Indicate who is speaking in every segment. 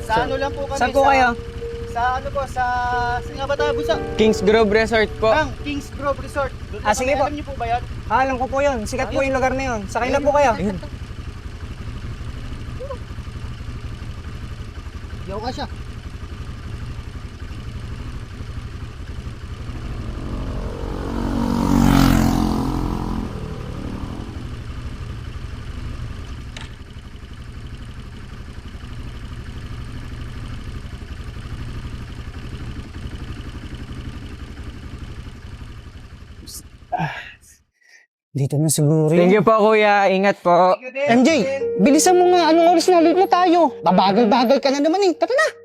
Speaker 1: Sa ano lang po kami.
Speaker 2: Saan po kayo?
Speaker 1: Sa ano po, saan nga ba tayo, Busa?
Speaker 2: Kings Grove Resort po.
Speaker 1: Kings Grove Resort. Doon
Speaker 2: Ah, sige po.
Speaker 1: Alam niyo po ba yan?
Speaker 2: Alam ko po yun. Sikat po yung lugar na yun. Sakay na po kayo.
Speaker 1: Yaw ka siya.
Speaker 3: Dito na siguro
Speaker 2: Thank
Speaker 3: yun.
Speaker 2: you po, kuya. Ingat po.
Speaker 3: MJ, bilisan mo nga. Anong oras na ulit na tayo? Babagal-bagal ka na naman eh. Tara na.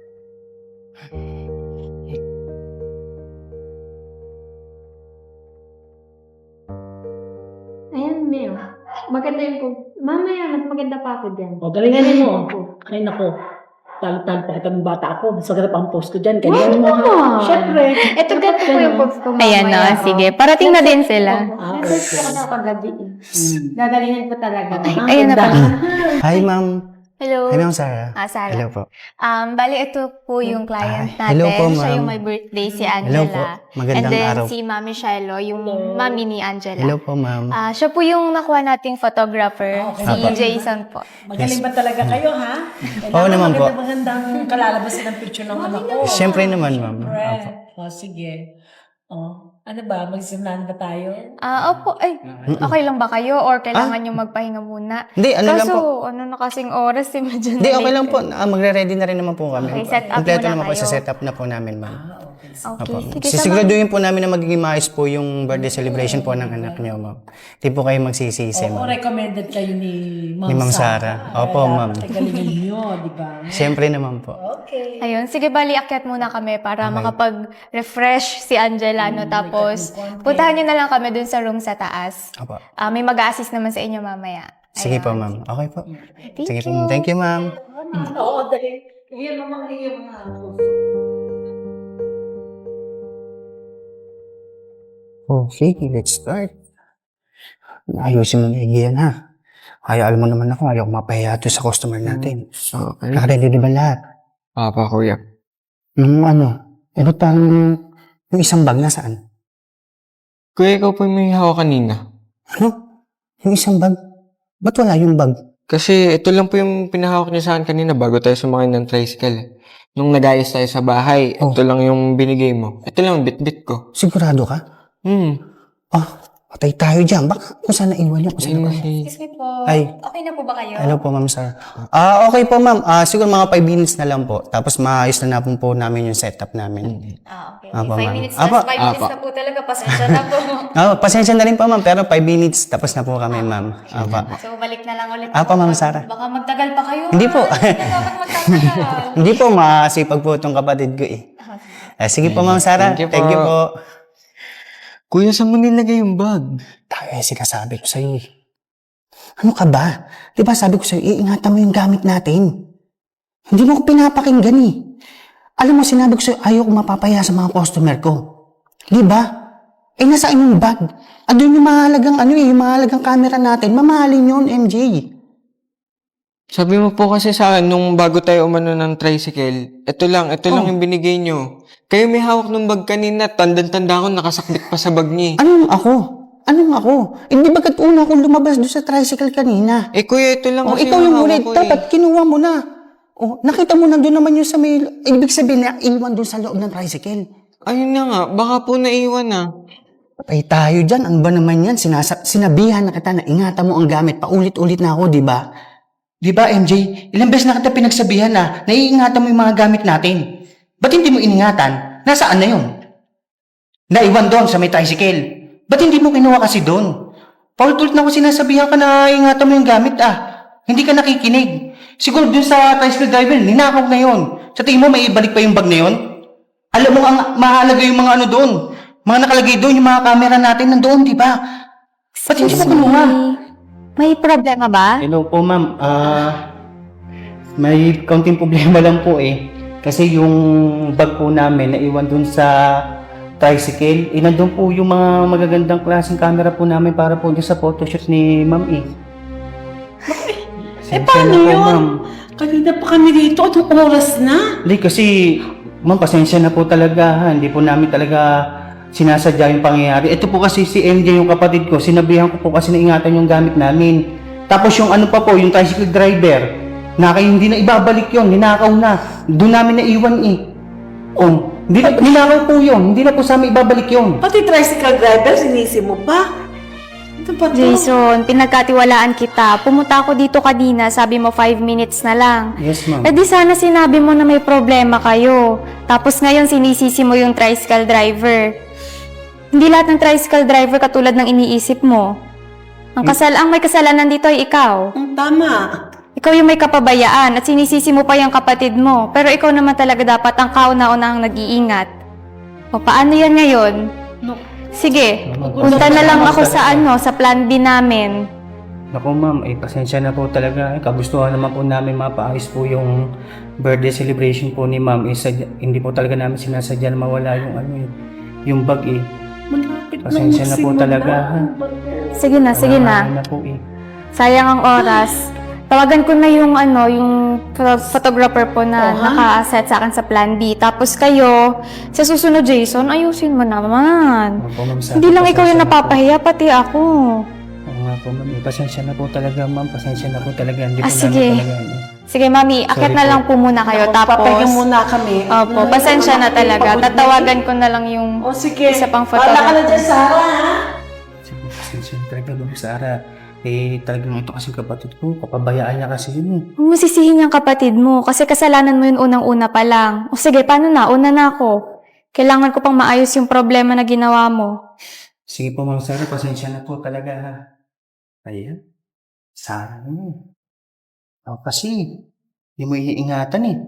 Speaker 4: Ayan, Mel. Maganda yung mamaya, mas maganda pa ako dyan.
Speaker 5: O, galingan mo. Ay, nako. Talo-talo pa kita ng bata ako. Mas maganda pa ang post ko dyan. Galingan mo.
Speaker 4: naman.
Speaker 5: Siyempre.
Speaker 4: Ito ganito po yung post ko mamaya.
Speaker 6: Ayan no, sige. Parating na din sila.
Speaker 4: Nag-post ko na kagabi eh. Dadalingan ko talaga.
Speaker 6: Ayun na pala.
Speaker 3: Hi, ma'am.
Speaker 6: Hello.
Speaker 3: Hi, ma'am Sarah.
Speaker 6: Sarah.
Speaker 3: Hello po.
Speaker 6: Bali, ito po yung client natin.
Speaker 3: hello po,
Speaker 6: Siya
Speaker 3: ma'am.
Speaker 6: yung may birthday, si
Speaker 3: Hello po.
Speaker 6: Angela.
Speaker 3: Magandang
Speaker 6: And then
Speaker 3: araw.
Speaker 6: si Mami Shiloh, yung mami ni Angela.
Speaker 3: Hello po, ma'am.
Speaker 6: Siya po yung nakuha nating photographer, si
Speaker 3: Apo.
Speaker 6: Jason po.
Speaker 5: Magaling ba talaga kayo, ha?
Speaker 3: Oo naman po.
Speaker 5: Magandang kalalabasan ng picture ng anak ko.
Speaker 3: Siyempre naman, ma'am. Opo.
Speaker 5: Siyempre. O, sige. O, ano ba? Magsimulahan ba tayo?
Speaker 6: Opo, ay, okay lang ba kayo? Or kailangan nyo magpahinga muna?
Speaker 3: Hindi, ano lang po.
Speaker 6: Kaso, ano na kasing oras, si medyo
Speaker 3: Hindi,
Speaker 6: na
Speaker 3: okay lang
Speaker 6: late.
Speaker 3: po. Magre-ready na rin naman po kami.
Speaker 6: Okay, set up
Speaker 3: Kompleto
Speaker 6: muna
Speaker 3: naman po.
Speaker 6: kayo.
Speaker 3: Isa-set up na po namin, ma'am.
Speaker 6: Okay, sige,
Speaker 3: Sisiguraduhin po namin na magiging maayos po yung birthday celebration po ng anak niyo, ma'am. Hindi po kayo magsisisi,
Speaker 5: Oo,
Speaker 3: ma'am.
Speaker 5: recommended kayo ni Ma'am
Speaker 3: Ni Ma'am Sarah. Opo, ma'am.
Speaker 5: Galingan niyo, di ba?
Speaker 3: Siyempre naman po.
Speaker 5: Okay.
Speaker 6: Ayun, sige bali, akyat muna kami para makapag-refresh si Angela, no? Tapos, puntahan nyo na lang kami dun sa room sa taas.
Speaker 3: Opo.
Speaker 6: May mag-assist naman sa inyo mamaya.
Speaker 3: Sige
Speaker 6: Ayun.
Speaker 3: po, ma'am. Okay po.
Speaker 6: Thank
Speaker 3: Sige po.
Speaker 6: you.
Speaker 3: Thank you, ma'am.
Speaker 5: Oo, dahil. Iyan naman yung mga
Speaker 3: Okay, let's start. Ayusin mo na yan, ha? Hayaan mo naman ako. Ayaw mapahiya ito sa customer natin.
Speaker 2: Okay.
Speaker 3: Nakaready di ba lahat?
Speaker 2: Apa, kuya.
Speaker 3: Yung ano, ba't parang yung isang bag nasaan?
Speaker 2: Kuya, ikaw po yung may hawak kanina.
Speaker 3: Ano? Yung isang bag? Ba't wala yung bag?
Speaker 2: Kasi ito lang po yung pinahawak niya sa akin kanina bago tayo sumakay ng tricycle. Nung nag-ayos tayo sa bahay,
Speaker 3: Oh.
Speaker 2: ito lang yung binigay mo. Ito lang yung bit-bit ko.
Speaker 3: Sigurado ka? Patay tayo dyan. Baka kung saan naiwan niyo. Kung saan
Speaker 2: Ayun na
Speaker 3: naiwan.
Speaker 2: si...
Speaker 6: Excuse me po.
Speaker 3: Ay.
Speaker 6: Okay na po ba kayo?
Speaker 3: Hello po, ma'am sir. Okay po, ma'am. Siguro mga 5 minutes na lang po. Tapos maayos na po namin yung setup namin.
Speaker 6: Okay.
Speaker 3: Apo,
Speaker 6: 5
Speaker 3: ma'am.
Speaker 6: minutes
Speaker 3: Apo.
Speaker 6: na. 5 minutes na po talaga. Pasensya na po.
Speaker 3: Pasensya na rin po, ma'am. Pero 5 minutes, tapos na po kami, ma'am. Apa.
Speaker 6: So, balik na lang ulit.
Speaker 3: Apo, Ma'am Sarah.
Speaker 6: Baka magtagal pa kayo.
Speaker 3: Hindi po.
Speaker 6: Hindi na dapat magtagal.
Speaker 3: Hindi po, masipag po itong kapatid ko eh. Sige po, ma'am Sarah.
Speaker 2: Thank you po.
Speaker 3: Thank you po.
Speaker 2: Kuya, saan mo nilagay yung bag?
Speaker 3: Tayo sinasabi ko sa'yo eh. Ano ka ba? Di ba sabi ko sa'yo, iingatan mo yung gamit natin. Hindi mo ko pinapakinggan eh. Alam mo, sinabi ko sa'yo, ayaw ko mapapaya sa mga customer ko. Di ba? Nasaan yung bag? Andun yung mahalagang yung mahalagang camera natin. Mamahalin yun, MJ.
Speaker 2: Sabi mo po kasi sa akin, nung bago tayo umano ng tricycle, ito lang yung binigay nyo. Kayo may hawak ng bag kanina, tandang-tanda ko, nakasakbit pa sa bag niya.
Speaker 3: Anong ako? Hindi bagat una akong lumabas doon sa tricycle kanina.
Speaker 2: Kuya, ito lang kasi
Speaker 3: Ikaw yung
Speaker 2: hawak
Speaker 3: ulit.
Speaker 2: ko
Speaker 3: Dapat kinuha mo na. Nakita mo na doon naman yung sa may... Ibig sabihin na iwan doon sa loob ng tricycle.
Speaker 2: Ayun na nga, baka po naiwan na.
Speaker 3: Patay tayo dyan. Ano ba naman yan? Sinabihan na kita na ingatan mo ang gamit. Paulit-ulit na ako, di ba? Di ba, MJ? Ilang beses na kita pinagsabihan na naiingatan mo yung mga gamit natin. Ba't hindi mo iningatan? Nasaan na yun? Naiwan doon sa may tricycle. Ba't hindi mo kinuha kasi doon? Paulit-ulit na ako sinasabihan ka na ingatan mo yung gamit Hindi ka nakikinig. Siguro doon sa tricycle driver, ninakaw na yun. Sa tingin mo, may ibalik pa yung bag na yun? Alam mo, ang mahalaga yung mga ano doon. Mga nakalagay doon, yung mga camera natin nandoon, di ba? Ba't hindi mo kinuha?
Speaker 6: May problema ba?
Speaker 3: Hello po, ma'am. May kaunting problema lang po eh. Kasi yung bag po namin naiwan dun sa tricycle. Nandun po yung mga magagandang klaseng camera po namin para po dun sa photoshoot ni ma'am eh.
Speaker 5: paano
Speaker 3: na po,
Speaker 5: yun?
Speaker 3: ma'am.
Speaker 5: Kanina pa kami dito. Anong oras na?
Speaker 3: Hindi, kasi, ma'am, pasensya na po talaga, ha. Hindi po namin talaga sinasadya yung pangyayari. Ito po kasi si MJ, yung kapatid ko, sinabihan ko po kasi na ingatan yung gamit namin. Tapos yung ano pa po, yung tricycle driver, hindi na ibabalik yon, ninakaw na. Doon namin naiwan eh. Oh, ninakaw po yun, hindi na po sa amin ibabalik yon.
Speaker 5: Pati tricycle driver, sinisi mo pa. Ito pa to.
Speaker 6: Jason, pinagkatiwalaan kita. Pumunta ako dito kanina, sabi mo 5 minutes na lang.
Speaker 3: Yes, ma'am.
Speaker 6: Eh di sana sinabi mo na may problema kayo. Tapos ngayon sinisisi mo yung tricycle driver. Hindi lahat ng tricycle driver katulad ng iniisip mo. Ang may kasalanan dito ay ikaw.
Speaker 5: Tama.
Speaker 6: Ikaw yung may kapabayaan at sinisisi mo pa yung kapatid mo. Pero ikaw naman talaga dapat ang kauna-unahang nag-iingat. O paano yan ngayon?
Speaker 5: No.
Speaker 6: Sige, punta na lang ako sa plan B namin.
Speaker 3: Naku ma'am, pasensya na po talaga. Kagustuhan naman po namin mapaayos po yung birthday celebration po ni ma'am. Hindi po talaga namin sinasadya na mawala yung bag eh.
Speaker 5: Malapit
Speaker 3: Pasensya na po talaga, ha.
Speaker 6: Sige na.
Speaker 3: Wala na po eh.
Speaker 6: Sayang ang oras. Tawagan ko na yung photographer po na naka-set sa akin sa plan B. Tapos kayo, sa susunod Jason, ayusin mo naman.
Speaker 3: Opo, ma'am,
Speaker 6: Hindi lang ikaw yung
Speaker 3: pasensya na po.
Speaker 6: napapahiya, pati ako.
Speaker 3: Oo nga po ma'am, pasensya na po talaga ma'am. Pasensya na po talaga. Hindi po
Speaker 6: Sige.
Speaker 3: namin talaga.
Speaker 6: Sige mami, akit
Speaker 3: Sorry
Speaker 6: na
Speaker 3: po.
Speaker 6: lang po muna kayo.
Speaker 5: Papahinga
Speaker 6: Tapos,
Speaker 5: muna kami.
Speaker 6: opo, pasensya na talaga. Tatawagan ko na lang yung
Speaker 5: O sige.
Speaker 6: isa pang
Speaker 5: Wala ka na
Speaker 6: photographer.
Speaker 5: dyan, Sarah, ha?
Speaker 3: Sige, pasensya na talaga ma'am Sarah. Talagang ito kasi kapatid ko. Kapabayaan niya kasi yun eh.
Speaker 6: Huwag mo sisihin yung kapatid mo kasi kasalanan mo yun unang-una pa lang. O sige, paano na? Una na ako. Kailangan ko pang maayos yung problema na ginawa mo.
Speaker 3: Sige po ma'am Sarah, pasensya na po talaga ha. Ayan. Sarah mo. Ako kasi, hindi mo iingatan eh.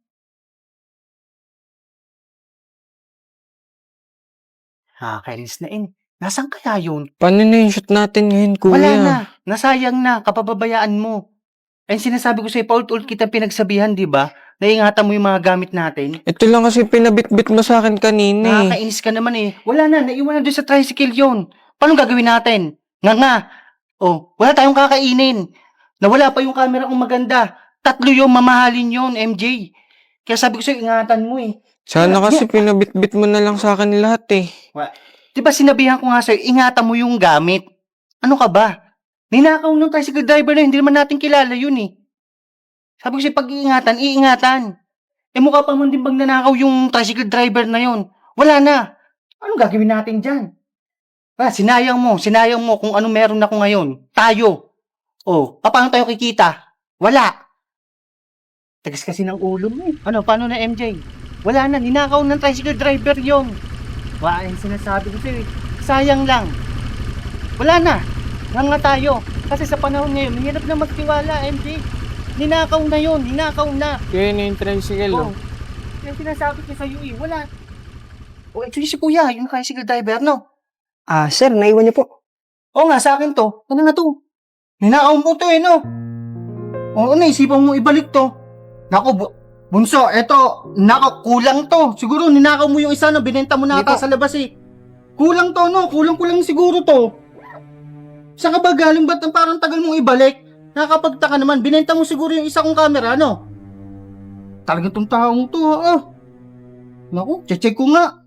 Speaker 3: Kainis na in. Nasaan kaya yun?
Speaker 2: Paano na yung shoot natin ngayon, kuya?
Speaker 3: Wala na. Nasayang na. Kapababayaan mo. Ayun sinasabi ko sa'yo, paulit-ulit kita pinagsabihan, di ba? Naingatan mo yung mga gamit natin.
Speaker 2: Ito lang kasi pinabitbit mo sa akin kanina eh.
Speaker 3: Nakakainis ka naman eh. Wala na. Naiwan na doon sa tricycle yun. Paano gagawin natin? Nga. Oh, wala tayong kakainin. Nawala pa yung camera kong maganda. 3 yung mamahalin yun, MJ. Kaya sabi ko sa'yo, ingatan mo eh.
Speaker 2: Sana kasi pinabitbit mo na lang sa akin lahat eh.
Speaker 3: Di ba sinabihan ko nga sa'yo, ingatan mo yung gamit. Ano ka ba? Ninakaw ng tricycle driver na, hindi naman natin kilala yun eh. Sabi ko sa'yo, pag-iingatan, iingatan. Mukha pa man din bang nanakaw yung tricycle driver na yun. Wala na. Anong gagawin natin dyan? Sinayang mo kung ano meron ako ngayon. Tayo. Paano tayo kikita? Wala. Tagas kasi ng ulo mo eh. Paano na MJ? Wala na, ninakaw ng tricycle driver yon. Yung sinasabi ko sa'yo eh. Sayang lang. Wala na. Nga tayo. Kasi sa panahon ngayon, mahirap na magtiwala, MJ. Ninakaw na yon, ninakaw na.
Speaker 2: Kaya na yung tricycle oh.
Speaker 3: Yung sinasabi ko sa'yo eh, wala. Actually si kuya, yung tricycle driver, no?
Speaker 1: Sir, naiwan niyo po.
Speaker 3: Oo nga, sa akin to. Ano nga to? Ninakaw mo to eh, no? Naisipan mo ibalik to. Naku, bunso, kulang to. Siguro ninakaw mo yung isa na binenta mo na ata sa labas eh. Kulang to, no? Kulang siguro to. Saan ka ba galing? Ba't parang tagal mong ibalik? Nakakapagtaka naman, binenta mo siguro yung isa kong camera, no? Talagang tong taong to, Naku, check ko nga.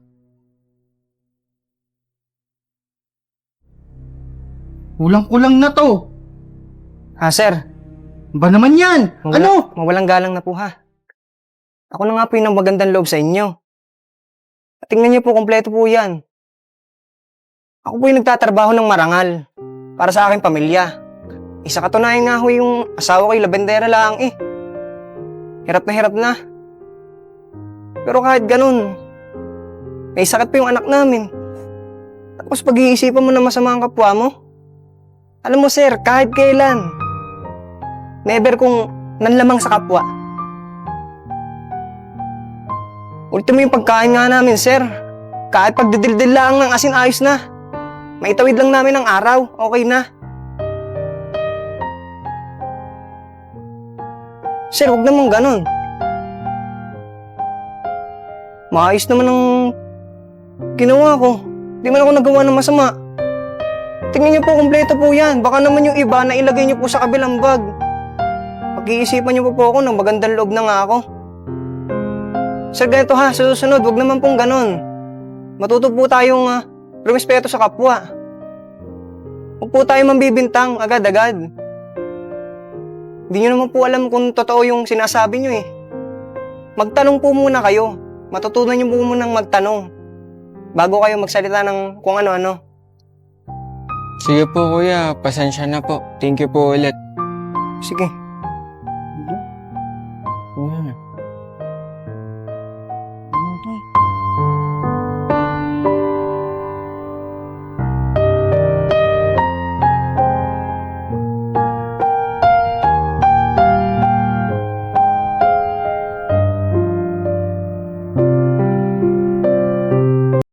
Speaker 3: Kulang-kulang na to.
Speaker 1: Sir,
Speaker 3: Ba naman yan? Ano?
Speaker 1: mawalang galang na po ha. Ako na nga po yung magandang loob sa inyo. At tingnan niyo po, kompleto po yan. Ako po yung nagtatrabaho ng marangal para sa aking pamilya. Isa katunayan nga ho yung asawa ko yung labendera lang eh. Hirap na. Pero kahit ganun, may sakit pa yung anak namin. Tapos pag-iisipan mo na masama ang kapwa mo. Alam mo sir, kahit kailan, never kong nanlamang sa kapwa. Ultimo yung pagkain nga namin, sir. Kahit pagdidildil lang ng asin, ayos na. Maitawid lang namin ang araw, okay na. Sir, huwag naman ganun. Maayos naman ang ginawa ko. Di man ako nagawa ng masama. Tingnan niyo po, kompleto po yan. Baka naman yung iba na ilagay niyo po sa kabilang bag. Pag-iisipan niyo po ako ng magandang loob na nga ako. Sir, ganito ha, sa susunod, wag naman pong ganon. Matuto po tayong rumispeto sa kapwa. Huwag po tayo mambibintang agad-agad. Hindi niyo naman po alam kung totoo yung sinasabi niyo eh. Magtanong po muna kayo. Matutunan niyo po munang magtanong bago kayo magsalita ng kung ano-ano.
Speaker 2: Sige po kuya, pasensya na po. Thank you po ulit.
Speaker 1: Sige.